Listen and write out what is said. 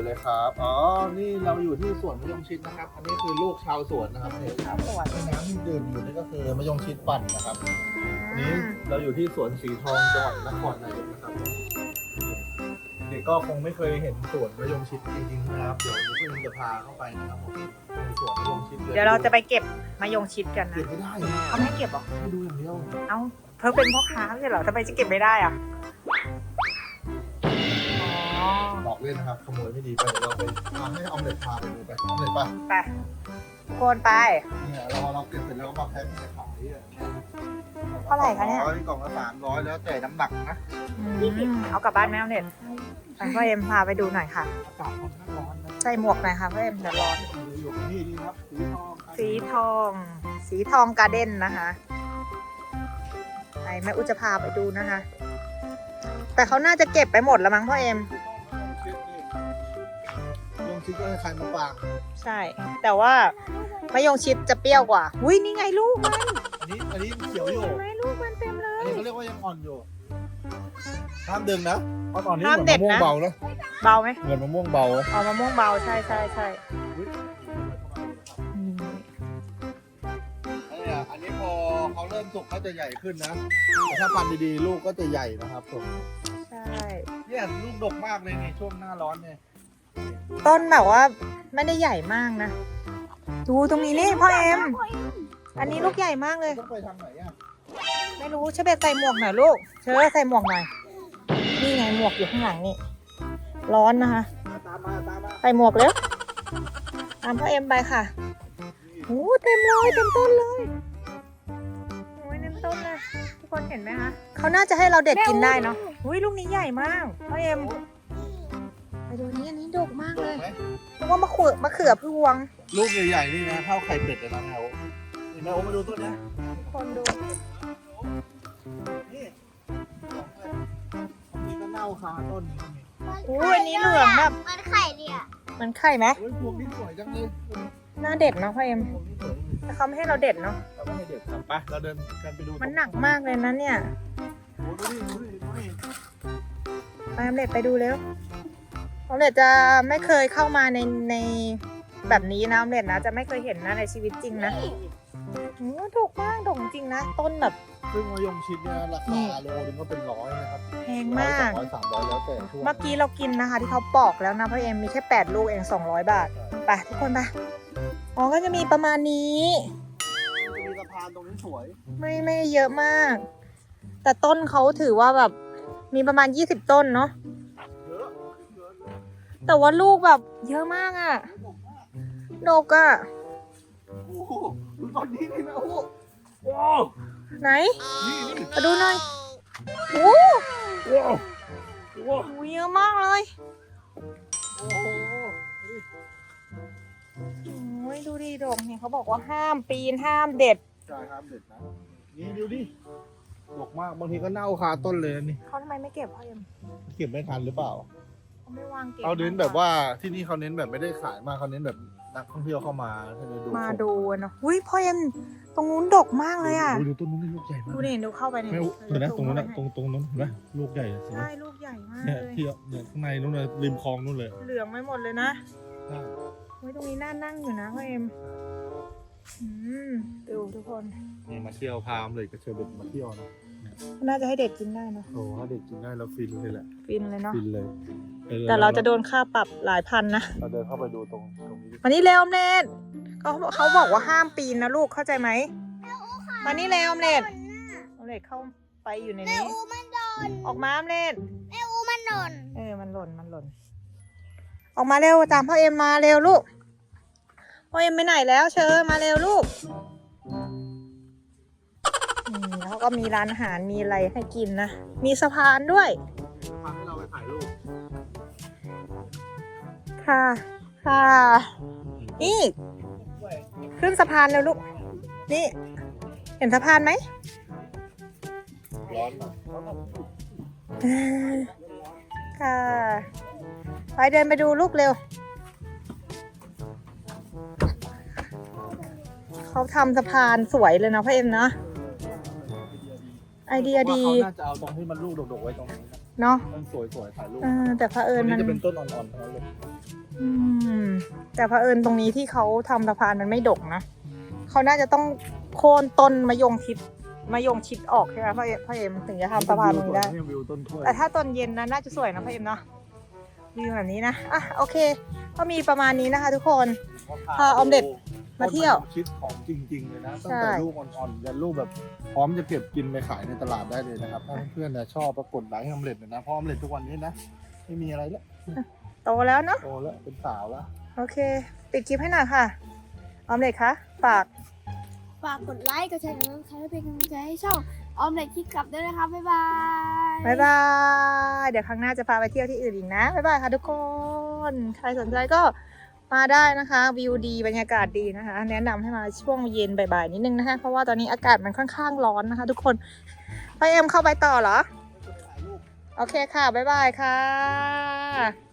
วนเลยครับอ๋อนี่เราอยู่ที่สวนมะยงชิดนะครับอันนี้คือลูกชาวสวนนะครับนี่ครับสวนน้ำที่ดื่มอยู่นี่ก็คือมะยงชิดปั่นนะครับอันนี้เราอยู่ที่สวนสีทองจังหวัดนครนายกนะครับเด็กก็คงไม่เคยเห็นสวนมะยงชิดจริงๆนะครับเดี๋ยวเพื่อนจะพาเข้าไปนะครับผมในสวนมะยงชิดเดี๋ยวเราจะไปเก็บมะยงชิดกันนะเก็บไม่ได้เขาไม่ให้เก็บหรอให้ดูอย่างเดียวเอ้าเธอเป็นพ่อค้าไม่ใช่เหรอทำไมจะเก็บไม่ได้อ่ะอ๋อบอกเล่นนะครับขโมยไม่ดีไปเดี๋ยวเราไปให้ออมเล็ตพาไปดูไปออมเล็ตป่ะไปทุกคนไปเนี่ยเราเก็บเสร็จแล้วก็มาแพ็คใส่ขายเท่าไหร่คะเนี่ยกล่องละ300แล้วแต่น้ำหนักนะเอากลับบ้านไหมเอาเน็ตไปพ่อเอ็มพาไปดูหน่อยค่ะอากาศค่อนข้างร้อนนะใส่หมวกหน่อยค่ะพ่อเอ็มเดี๋ยวร้อนอยู่นี่ดีครับสีทองการ์เด้นนะคะไหนแม่อุจจะพาไปดูนะคะ แต่เขาน่าจะเก็บไปหมดแล้วมั้งพ่อเอ็มลงชิดก็ให้ใครมาปางใช่ แต่ว่ามะยงชิดจะเปรี้ยวกว่าอุ้ยนี่ไงลูกมันอันนี้เขียวอยู่เห็นไหมลูกมันเต็มเลอันยนี้เขาเรียกว่ายังอ่อนอยู่ห้ามดึงนะเพราะตอนนี้ห้ามเหมืเด็อนดมะม่วนะงเบานะเบาไหมเหมือนมะม่วงเบาอ๋อมะม่วงเบาใช่อันนี้พอเขาเริ่มสุกเขาจะใหญ่ขึ้นนะแต่ถ้าพันธุ์ดีๆลูกก็จะใหญ่นะครับผมใช่เนี่ยลูกดกมากเลยนี่ช่วงหน้าร้อนเนี่ยต้นแบบว่าไม่ได้ใหญ่มากนะดูตรงนี้นี่พ่อเอ็มอันนี้ลูกใหญ่มากเลยต้องไปทางไหนอ่ะไม่รู้เชอเบตใส่หมวกหน่อยลูกเชอใส่หมวกหน่อยนี่ไงหมวกอยู่ข้างหลังนี่ร้อนนะคะตามมาใส่หมวกเร็วตามพ่อเอ็มไปค่ะโอ้เต็มเลยเต็มต้นเลยโอ้ยเต็มต้นเลยทุกคนเห็นไหมคะเขาน่าจะให้เราเด็ดกินได้เนาะอุ้ยลูกนี้ใหญ่มากพ่อเอ็มไปดูนี้อันนี้ดกมากดเลกยไหมเพราะว่ามะเขือพวงลูกใหญ่ๆนี่นะเท่าไข่เป็ดเลยนะแมวนี่แมวมาดูต้นนี้ทุกคนดูนี่นี่ก็เน่าคาต้นนี้อู้อันนี้เหลืองแบบมันไข่ดิอ่ะมันไข่ไหมเฮ้ยพวงนี้สวยจังเลยน่าเด็ดเนาะพ่อเอ็มพวงนี้สวยแต่เขาไม่ให้เราเด็ดเนาะเราไม่ให้เด็ดครับไปเราเดินกันไปดูมันหนักมากเลยนะเนี่ยโอ้ดูดิไปออมเล็ตไปดูเร็วออมเล็ตจะไม่เคยเข้ามาในแบบนี้นะออมเล็ตนะจะไม่เคยเห็นนะในชีวิตจริงนะโอ้ดกมากดกจริงนะต้นแบบซึ่งมะยงชิดเนี่ยราคาโลนึงก็เป็น100นะครับแพงมาก 100 200 300แล้วแต่ช่วงเมื่อกี้เรากินนะคะ ที่เขาปอกแล้วนะพ่อเอ็มมีแค่8ลูกเอง200 บาทไปทุกคนไปอ๋อก็จะมีประมาณนี้มีสะพานตรงนี้สวยไม่เยอะมาก แต่ต้นเขาถือว่าแบบมีประมาณ20ต้นเนาะเยอะแต่ว่าลูกแบบเยอะมากอะดกอะโอ้โหดูตอนนี้นี่นะโอ้โหโอ้ไหนนี่มาดูหน่อยโอ้ว้าวว้าวโหเยอะมากเลยโอ้โหโอ้ยดูดิดกเนี่ยเขาบอกว่าห้ามปีนห้ามเด็ดใช่ครับเด็ดนะนี่ดูดิดกมากบางทีก็เน่าคาต้นเลยนะนี่เขาทำไมไม่เก็บพ่อเอ็มเก็บไม่ทันหรือเปล่าเขาไม่วางเก็บเขาเน้นแบบว่าที่นี่เขาเน้นแบบไม่ได้ขายมากเขาเน้นแบบนักท่องเที่ยวเข้ามาให้ดูมาดูเนาะอุ้ยพ่อเอ็มตรงนู้นดกมากเลยอะดูต้นนู้นนี่ลูกใหญ่มากดูนี่ดูเข้าไปเนี่ยไม่เห็นนะตรงนู้นนะตรงนู้นเห็นไหมลูกใหญ่สิใช่ลูกใหญ่มากเนี่ยเลยที่เนี่ยข้างในนู้นเลยริมคลองนู้นเลยเหลืองไม่หมดเลยนะใช่อุ้ยตรงนี้น่านั่งอยู่นะพ่อเอ็มดูทุกคนนี่มาเที่ยวพามเลยกับเชอร์เบตมาเที่ยวนะน่าจะให้เด็กกินได้เนาะโอ้ถ้าเด็กกินได้เราฟินเลยแหละฟินเลยเนาะฟินเลยแต่เราจะโดนค่าปรับหลายพันนะเราเดินเข้าไปดูตรงนี้มานี่เร็วออมเล็ตเขาบอกว่าห้ามปีนนะลูกเข้าใจไหมมานี่เร็วออมเล็ตออมเล็ตเข้าไปอยู่ในแม่นี้อูมันโดนออกมาออมเล็ตแม่อูมันโดนมันหล่นออกมาเร็วตามพ่อเอ็มมาเร็วลูกพ่อเอ็มไปไหนแล้วเชิญมาเร็วลูกแล้วก็มีร้านอาหารมีอะไรให้กินนะมีสะพานด้วยพาให้เราไปถ่ายรูปค่ะนี่ขึ้นสะพานเร็วลูกนี่เห็นสะพานไหมร้อนหน่อยค่ะไปเดินไปดูลูกเร็วเขาทำสะพานสวยเลยนะพ่อเอ็มนะไอเดียดีเขาน่าจะเอาตรงที่มันลูกดกๆไว้ตรงนี้นะเนาะมันสวยๆถ่ายรูปแต่เผอิอัญนมันี้นจะเป็นต้นอ่อนๆทั้งนั้นเลยอืมแต่เผอิญตรงนี้ที่เขาทำสะพานมันไม่ดกนะเขาน่าจะต้องโค่นต้นมะยงชิดออกใช่ไหมพ่อเอ็มถึงจะทำสะพานตรงนี้ได้วิวต้นถ้วยแต่ถ้าตอนเย็นนะน่าจะสวยนะพ่อเอ็มเนาะวิวแบบนี้นะอ่ะโอเคก็มีประมาณนี้นะคะ ทุกคน พาออมเด็ดมาเที่ยวชิดของจริงๆเลยนะตั้งใช่แต่ลูกอ่อนๆยันลูกแบบพร้อมจะเก็บกินไปขายในตลาดได้เลยนะครับถ้าเพื่อนๆนะชอบปรากฏไลค์ให้ออมเล็ตหน่อยนะเพราะออมเล็ตทุกวันนี้นะไม่มีอะไรแล้วโตแล้วเนาะโตแล้วเป็นสาวแล้วโอเคปิดคลิปให้หน่อยค่ะออมเด็ดคะฝากฝากกดไลค์กดแชร์กดติดตามเป็นกำลังใจให้ช่องออมเล็ตคิดกลับด้วยนะคะบ๊ายบายบ๊ายบายเดี๋ยวครั้งหน้าจะพาไปเที่ยวที่อื่นอีกนะบ๊ายบายค่ะทุกคนใครสนใจก็มาได้นะคะวิวดีบรรยากาศดีนะคะ แนะนำให้มาช่วงเย็นบ่ายๆนิดนึงนะคะเพราะว่าตอนนี้อากาศมันค่อนข้างร้อนนะคะ ทุกคนพ่อเอ็มเข้าไปต่อเหรอโอเคค่ะบ๊ายบายค่ะ